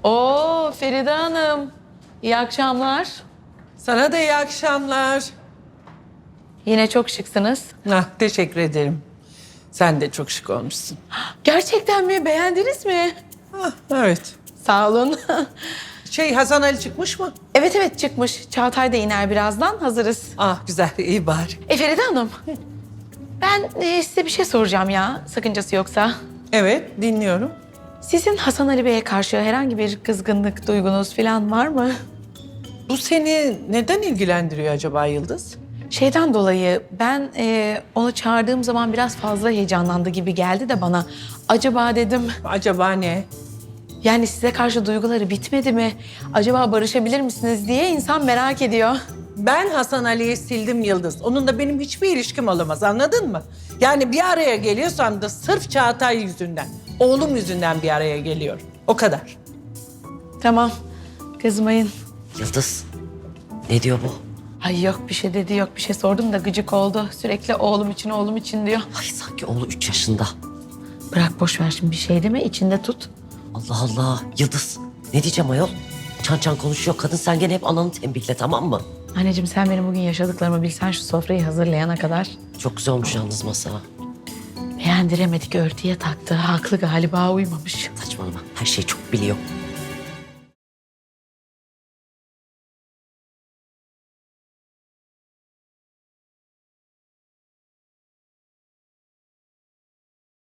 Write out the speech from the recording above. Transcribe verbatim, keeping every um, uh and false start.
Oo Feride Hanım. İyi akşamlar. Sana da iyi akşamlar. Yine çok şıksınız. Ah, teşekkür ederim. Sen de çok şık olmuşsun. Gerçekten mi? Beğendiniz mi? Ah, evet. Sağ olun. Şey Hasan Ali çıkmış mı? Evet evet çıkmış. Çağatay da iner birazdan. Hazırız. Ah güzel, iyi bari. E Feride Hanım. Ben e, size bir şey soracağım ya. Sakıncası yoksa. Evet, dinliyorum. Sizin Hasan Ali Bey'e karşı herhangi bir kızgınlık duygunuz falan var mı? Bu seni neden ilgilendiriyor acaba Yıldız? Şeyden dolayı ben e, onu çağırdığım zaman biraz fazla heyecanlandı gibi geldi de bana. Acaba dedim Acaba ne? yani size karşı duyguları bitmedi mi? Acaba barışabilir misiniz diye insan merak ediyor. Ben Hasan Ali'yi sildim Yıldız. Onunla benim hiçbir ilişkim olamaz, anladın mı? Yani bir araya geliyorsam da sırf Çağatay yüzünden, oğlum yüzünden bir araya geliyor. O kadar. Tamam kızmayın. Yıldız, ne diyor bu? Ay yok bir şey dedi yok bir şey sordum da gıcık oldu. Sürekli oğlum için oğlum için diyor. Ay sanki oğlu üç yaşında. Bırak boş ver şimdi bir şey deme içinde tut. Allah Allah, Yıldız. Ne diyeceğim ayol? Çan çan konuşuyor. Kadın sen gene hep ananı tembihle, tamam mı? Anneciğim sen benim bugün yaşadıklarımı bilsen şu sofrayı hazırlayana kadar. Çok güzel olmuş yalnız masa. Beğendiremedik örtüye taktı. Haklı galiba uymamış. Saçmalama, her şeyi çok biliyor.